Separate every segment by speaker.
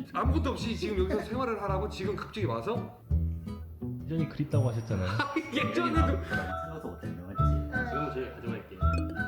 Speaker 1: 아무것도 없이 지금 여기서 생활을 하라고 지금 갑자기 와서?
Speaker 2: 예전이 그립다고 하셨잖아요.
Speaker 1: 예전에도
Speaker 3: 생각도 못했네, 맞지?
Speaker 2: 지금은 저희 가져갈게요.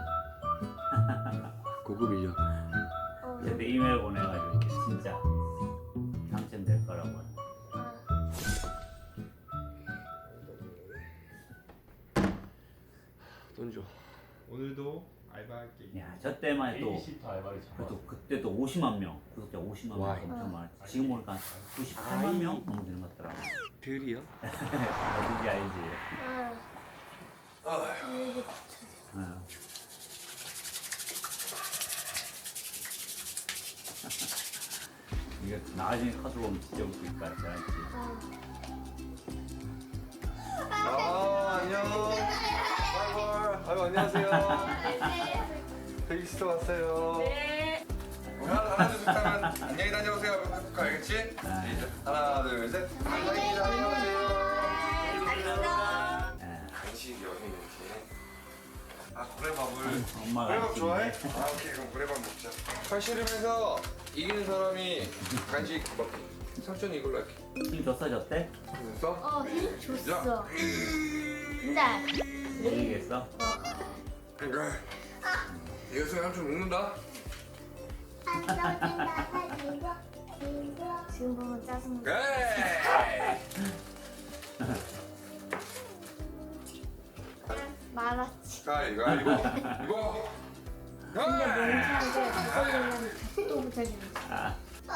Speaker 1: 고급 인력.
Speaker 3: 근데 이메일 보내가지고 이렇게 진짜 당첨될 거라고.
Speaker 1: 돈 줘.
Speaker 4: 오늘도 알바할게.
Speaker 3: 야, 저 때만 해도
Speaker 2: 베이비시터 알바를
Speaker 3: 또 그때 또 50만 명, 구독자 50만 명
Speaker 1: 와이.
Speaker 3: 엄청 많았지. 지금 보니까 98만 명 넘는 것 같더라고.
Speaker 1: 들이요?
Speaker 3: 어딘지 알지? 어. 이거 나중에 카드 보면 진짜 웃길 것 같지 않지?
Speaker 1: 안녕. 아이고 안녕하세요. 베이비시터 왔어요.
Speaker 5: 네.
Speaker 1: 하나 둘 셋 하면 안녕히 다녀오세요. 해볼까 알겠지? 하나 둘 셋. 안녕히 다녀오세요. 간식 여기 이렇게. 아 고래밥을.
Speaker 3: 엄마가
Speaker 1: 고래밥
Speaker 3: 시키는데.
Speaker 1: 좋아해? 아 오케이 그럼 고래밥 먹자. 팔씨름해서 이기는 사람이 간식 먹기. 삼촌이 이걸로 할게.
Speaker 3: 힘 줬어, 줬대?
Speaker 1: 됐어?
Speaker 5: 힘 줬어. 근데
Speaker 3: 얘기했어?
Speaker 1: 그래. 이거 삼촌 먹는다.
Speaker 5: 지금 보면 짜증나.
Speaker 1: 그래.
Speaker 5: 말았지.
Speaker 1: 자 이거.
Speaker 5: 근데 멍청하게 그걸로는 또 붙여주는
Speaker 3: 아,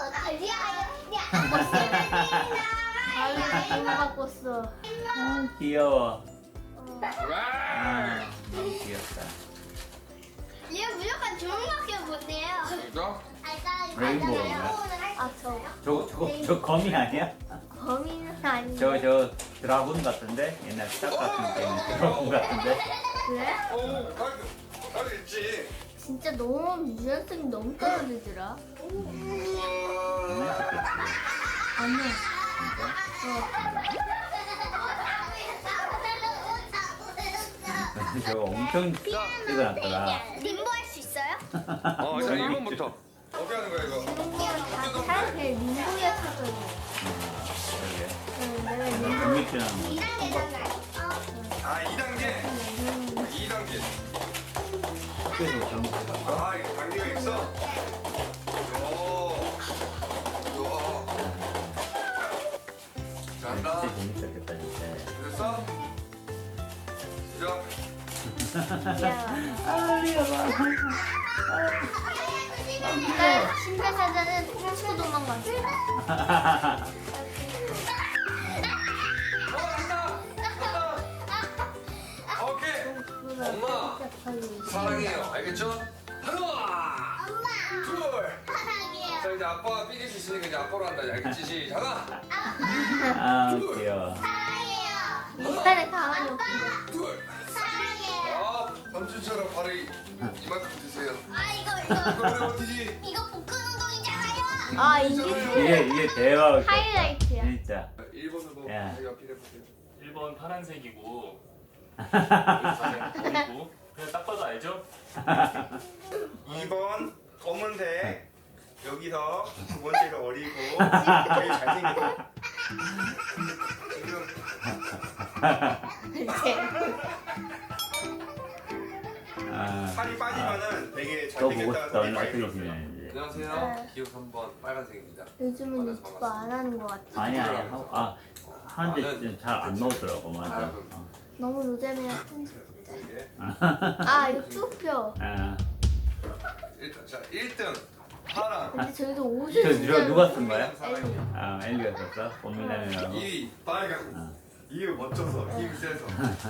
Speaker 5: 바로 갖고 왔어.
Speaker 3: 귀여워.
Speaker 1: 와.
Speaker 3: 아, 너무 귀엽다.
Speaker 6: 얘 무조건 좋은 거밖에 못해요.
Speaker 1: 이거?
Speaker 3: 레인보우인가?
Speaker 5: 아,
Speaker 3: 저 거미 아니야?
Speaker 5: 범인은 아닌데.
Speaker 3: 저 드라군 같은데? 옛날 스타 같은 때 있는 드라군 같은데?
Speaker 5: 그래?
Speaker 1: 나도 있지.
Speaker 5: 진짜 너무 유연성이 너무 떨어지더라.
Speaker 3: 정말 좋겠지.
Speaker 5: 아니야.
Speaker 3: 저거 엄청 찍어놨더라.
Speaker 6: 림보 할 수 있어요?
Speaker 1: 자 1번부터. 어떻게 하는 거야 이거?
Speaker 5: 다 사람들이 민구였었거든.
Speaker 3: 그러게.
Speaker 5: 내가 민구.
Speaker 3: 국민치라는 거.
Speaker 6: 2단계잖아요.
Speaker 1: 아 2단계. 2단계.
Speaker 3: 학교에서 그런 거 해봤어?
Speaker 1: 아 이거 단계가 있어? 오. 잘한다.
Speaker 3: 진짜 재밌었겠다 진짜.
Speaker 1: 됐어? 시작.
Speaker 5: 신발사자는 훔치고 도망갔어.
Speaker 1: 오케이. 엄마. 사랑해요. 알겠죠? 하나. 둘.
Speaker 6: 사랑해요.
Speaker 1: 자 이제 아빠가 삐질 수 있으니까 이제 아빠로 한다. 알겠지? 시작. 하나.
Speaker 3: 아 귀여워.
Speaker 6: 사랑해요.
Speaker 5: 이빨에 가만히 없어.
Speaker 1: 둘.
Speaker 6: 사랑해요.
Speaker 1: 아 삼촌처럼 발을 이만큼 드세요.
Speaker 6: 아 이거
Speaker 1: 이거 오래 버티지?
Speaker 6: 이거 복근 운동이잖아요.
Speaker 5: 아, 이게
Speaker 3: 이게 대박.
Speaker 5: 하이라이트야.
Speaker 3: 진짜.
Speaker 1: 1번으로
Speaker 3: 야.
Speaker 1: 자기가 필해보세요.
Speaker 2: 1번 파란색이고 버리고 그냥 딱 봐도 알죠?
Speaker 4: 2번 검은색. 여기서 두 번째가 어리고 되게 잘생겼어.
Speaker 3: 아,
Speaker 4: 살이 빠지면은 되게
Speaker 3: 또 보고
Speaker 4: 잘생겼다는
Speaker 3: 싶다.
Speaker 4: 소리
Speaker 3: 오늘
Speaker 4: 많이
Speaker 3: 어떻게
Speaker 4: 들었어요.
Speaker 3: 지내는지.
Speaker 1: 안녕하세요. 기억 3번 빨간색입니다.
Speaker 5: 요즘은 유튜브 안 하는 것 같아.
Speaker 3: 아니야 하는데 잘 안 나오더라고 맞아. 어.
Speaker 5: 너무 노잼이야.
Speaker 1: 이게
Speaker 5: 아, 유튜브요.
Speaker 3: 아,
Speaker 1: 일단 자 1등 파랑.
Speaker 5: 근데 저희도 옷을
Speaker 3: 저
Speaker 5: 진짜
Speaker 3: 누가 쓴 거야?
Speaker 1: 사랑해요.
Speaker 3: 아 엘리가 썼어? 봄미남이라고.
Speaker 1: 2위 빨강. 이유 멋져서 힘 세서.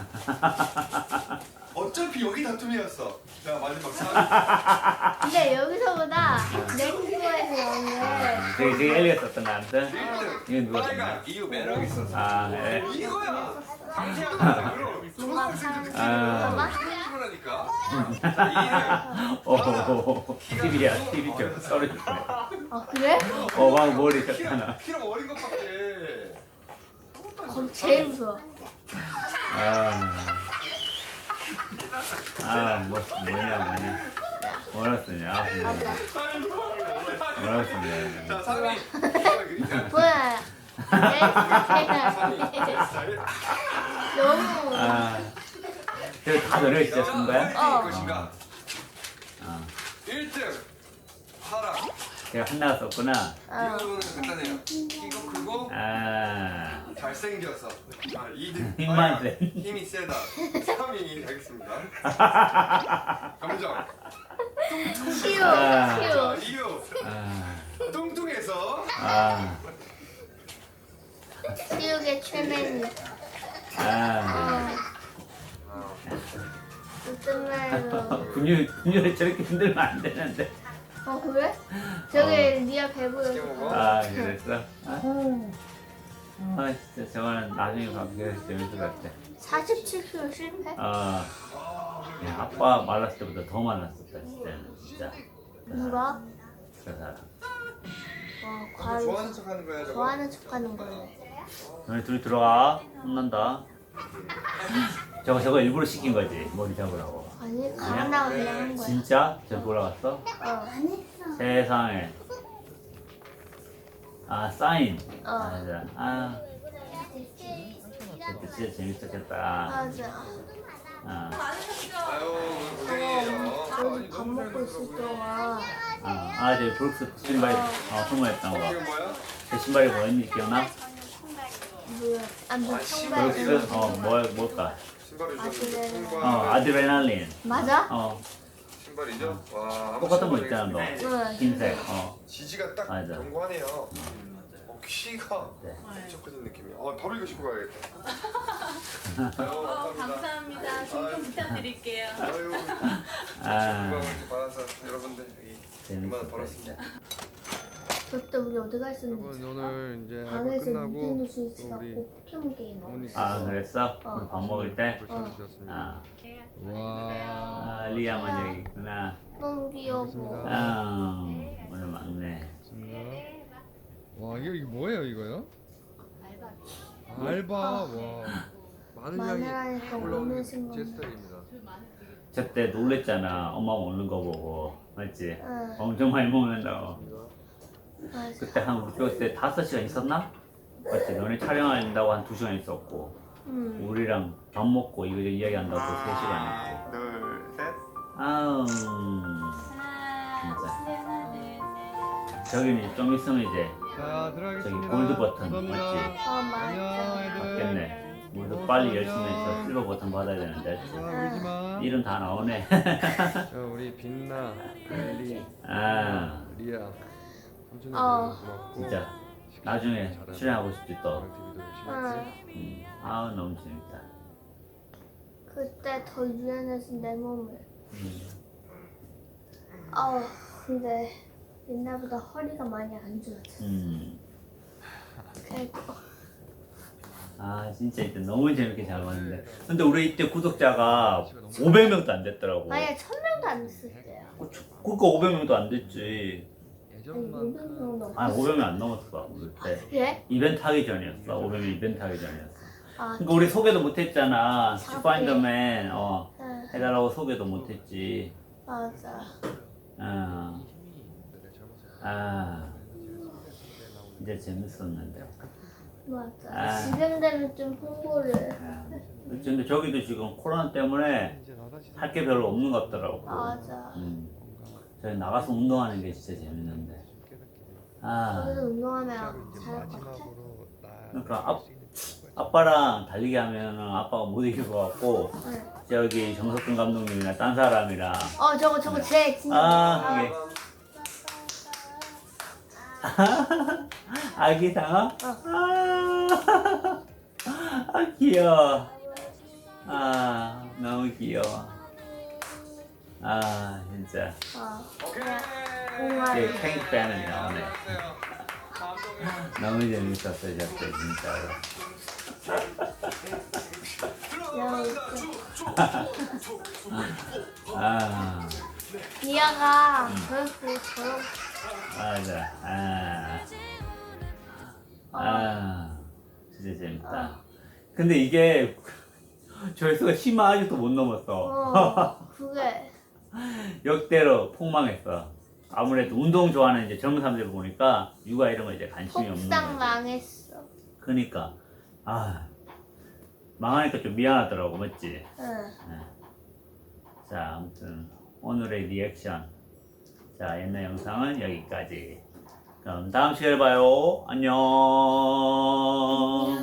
Speaker 1: 어차피 여기 다툼이었어. 자 마지막 4위.
Speaker 5: 근데 여기서보다 랭크에서 오늘
Speaker 3: 저기 엘리가 썼던 거 아무튼?
Speaker 1: 1등
Speaker 3: 이건 누가 쓴
Speaker 1: 빨강.
Speaker 3: 거야?
Speaker 1: 이유 매력 있어서.
Speaker 3: 아 그래?
Speaker 1: 이거야. 상세한 거야.
Speaker 5: 누가 사는
Speaker 3: 아.
Speaker 5: 거야?
Speaker 1: 그러니까. 자 2등.
Speaker 3: 오 TV야 TV 좀 떨어졌네.
Speaker 5: 아, 그래?
Speaker 3: 막 머리 좋잖아.
Speaker 1: 키로 어린 것밖에.
Speaker 5: 거기 제일 무서워.
Speaker 3: 뭐냐 뭐라 쓰냐.
Speaker 5: 맞아.
Speaker 3: 뭐라고 썼네.
Speaker 1: 자 3위.
Speaker 5: 뭐야? 너무.
Speaker 3: 아, 저다 너네가 진짜 쓴 거야?
Speaker 5: 어.
Speaker 1: 것인가?
Speaker 3: 어.
Speaker 1: 1등 파랑.
Speaker 3: 제가 하나가 썼구나.
Speaker 1: 이거는 간단해요. 이거 크고
Speaker 3: 아,
Speaker 1: 잘생겨서. 아, 2등
Speaker 3: 힘만 세.
Speaker 1: 힘이 세다. 3위 가겠습니다. 감정.
Speaker 5: 치유,
Speaker 3: 아.
Speaker 1: 자,
Speaker 5: 치유.
Speaker 1: 이유.
Speaker 3: 아,
Speaker 1: 뚱뚱해서.
Speaker 3: 아,
Speaker 5: 치유의 최면이.
Speaker 3: 아.
Speaker 5: 어떤 말로?
Speaker 3: 근육을 저렇게 흔들면 안 되는데.
Speaker 5: 그래? 저기 리아 배부르.
Speaker 1: 맛있게 먹어.
Speaker 3: 아, 그랬어? 아, 진짜 저거는 나중에 가면 재밌을 것 같아.
Speaker 5: 47kg 실패?
Speaker 3: 야, 아빠 말랐을 때보다 더 말랐었다, 진짜.
Speaker 5: 누가?
Speaker 3: 그 사람.
Speaker 5: 와,
Speaker 1: 좋아하는
Speaker 5: 과연
Speaker 1: 척하는 거야 저거.
Speaker 5: 좋아하는 척하는 거네.
Speaker 3: 너네 둘이 들어와. 혼난다. 저거 일부러 시킨 거지, 머리 잡으라고.
Speaker 5: 아니, 가나 그냥 한 거야.
Speaker 3: 진짜? 저기 올라갔어? 세상에. 아, 사인. 맞아. 아, 진짜 재밌었겠다.
Speaker 5: 맞아.
Speaker 3: 아,
Speaker 1: 아유
Speaker 5: 우리 밥 먹고 있을 동안
Speaker 3: 저 브룩스 신발 선물했던 거.
Speaker 1: 이거 뭐야?
Speaker 3: 그 신발이 뭐였니 기억나?
Speaker 5: 뭐야? 뭐 청바지.
Speaker 3: 브룩스 뭘까?
Speaker 1: 신발을
Speaker 5: 아드레날린.
Speaker 1: 줬는데
Speaker 3: 아드레날린.
Speaker 5: 맞아?
Speaker 1: 신발이죠? 와
Speaker 3: 똑같은 거 있잖아 너.
Speaker 5: 응.
Speaker 3: 흰색.
Speaker 1: 지지가 딱
Speaker 3: 맞아.
Speaker 1: 견고하네요. 키가
Speaker 3: 네.
Speaker 1: 엄청 커진 느낌이야. 바로 이거 신고 가야겠다. 아유,
Speaker 7: 감사합니다. 신경 부탁드릴게요.
Speaker 1: 아유,
Speaker 3: 아,
Speaker 1: 건강을 이렇게 받아서 여러분들 여기 얼마나 벌었습니다.
Speaker 5: 그때 우리 어디 가 있었는지.
Speaker 1: 여러분 오늘 이제 알바
Speaker 5: 방에서
Speaker 1: 끝나고
Speaker 5: 닌텐도 스위치
Speaker 1: 또
Speaker 5: 갖고
Speaker 1: 우리
Speaker 5: 포켓몬 게임 하고.
Speaker 3: 아 그랬어? 우리 밥 먹을 때?
Speaker 1: 잘 주셨습니다.
Speaker 3: 아,
Speaker 1: 와,
Speaker 3: 리아 먼저 여기 있구나.
Speaker 5: 너무 귀여워.
Speaker 3: 아, 오늘 막내.
Speaker 1: 와 이게 뭐예요 이거요? 알바. 와, 많은 양이
Speaker 5: 마늘하니까
Speaker 1: 올라오는
Speaker 5: 오늘
Speaker 1: 게
Speaker 5: 생각.
Speaker 1: 제 스타일입니다.
Speaker 3: 저때 놀랬잖아. 엄마 먹는 거 보고. 맞지?
Speaker 5: 응.
Speaker 3: 엄청 많이 먹는다고.
Speaker 5: 맞아.
Speaker 3: 그때 우리 그때 5시간 있었나? 맞지? 너네 촬영한다고 한 2시간 있었고.
Speaker 5: 응.
Speaker 3: 우리랑 밥 먹고 이거 이야기한다고 3시간 있고.
Speaker 4: 둘, 셋.
Speaker 3: 아우, 저기는 좀 있으면 이제
Speaker 1: 자 들어가겠습니다.
Speaker 3: 저기 골드 버튼
Speaker 1: 감사합니다.
Speaker 3: 맞지?
Speaker 1: 안녕
Speaker 5: 맞아.
Speaker 1: 애들.
Speaker 3: 맞겠네. 우리도 빨리 열심히 해서 실버 버튼 받아야 되는데.
Speaker 1: 울지 마.
Speaker 3: 이름 다 나오네.
Speaker 1: 우리 빛나, 엘리,
Speaker 3: 아,
Speaker 1: 리아, 삼촌이
Speaker 5: 어.
Speaker 1: 고맙고.
Speaker 3: 진짜 나중에 출연하고 싶지 또.
Speaker 1: TV도 열심히 했지.
Speaker 5: 응.
Speaker 3: 아우 너무 재밌다.
Speaker 5: 그때 더 유연해서 내 몸을.
Speaker 3: 음.
Speaker 5: 근데 옛날보다 허리가 많이 안 좋아졌어. 그래도
Speaker 3: 아 진짜 이때 너무 재밌게 잘 봤는데. 근데 우리 이때 구독자가 500명도 안 됐더라고.
Speaker 5: 만약에 1000명도 안 됐을 때야.
Speaker 3: 그러니까 500명도 안 됐지.
Speaker 5: 아니 500명 넘었어.
Speaker 3: 아 500명 안 넘었어 우리 때.
Speaker 5: 예?
Speaker 3: 이벤트 하기 전이었어. 500명 이벤트 하기 전이었어.
Speaker 5: 아,
Speaker 3: 그러니까 우리 소개도 못했잖아.
Speaker 5: 사실.
Speaker 3: 슈파인더맨
Speaker 5: 응.
Speaker 3: 해달라고 소개도 못했지.
Speaker 5: 맞아.
Speaker 3: 이제 재밌었는데.
Speaker 5: 맞아.
Speaker 3: 아.
Speaker 5: 지금 되면 좀 홍보를.
Speaker 3: 근데 저기도 지금 코로나 때문에 할 게 별로 없는 것 같더라고.
Speaker 5: 맞아.
Speaker 3: 저희 나가서 운동하는 게 진짜 재밌는데.
Speaker 5: 거기서 운동하면 잘할 것 같아.
Speaker 3: 그러니까 아빠랑 달리기 하면은 아빠가 못 이길 것 같고
Speaker 5: 응.
Speaker 3: 저기 정석근 감독님이나 딴 사람이랑
Speaker 5: 저거 제 진짜.
Speaker 3: 이게 아기 상어? 귀여워. 너무 귀여워. 진짜.
Speaker 5: 공활.
Speaker 3: 탱크 빼는 나오네. 너무 재밌었어요, 저때 진짜로.
Speaker 5: 리아가 저렇게 저렇게.
Speaker 3: 맞아. 진짜 재밌다. 근데 이게 조회수가 10만 아직도 못 넘었어.
Speaker 5: 그게.
Speaker 3: 역대로 폭망했어. 아무래도 운동 좋아하는 이제 젊은 사람들 보니까 육아 이런 거 이제 관심이 없는
Speaker 6: 폭삭
Speaker 3: 거지.
Speaker 6: 망했어.
Speaker 3: 그러니까 아 망하니까 좀 미안하더라고, 맞지?
Speaker 6: 응.
Speaker 3: 자, 아무튼 오늘의 리액션. 자, 옛날 영상은 여기까지. 그럼 다음 시간에 봐요. 안녕.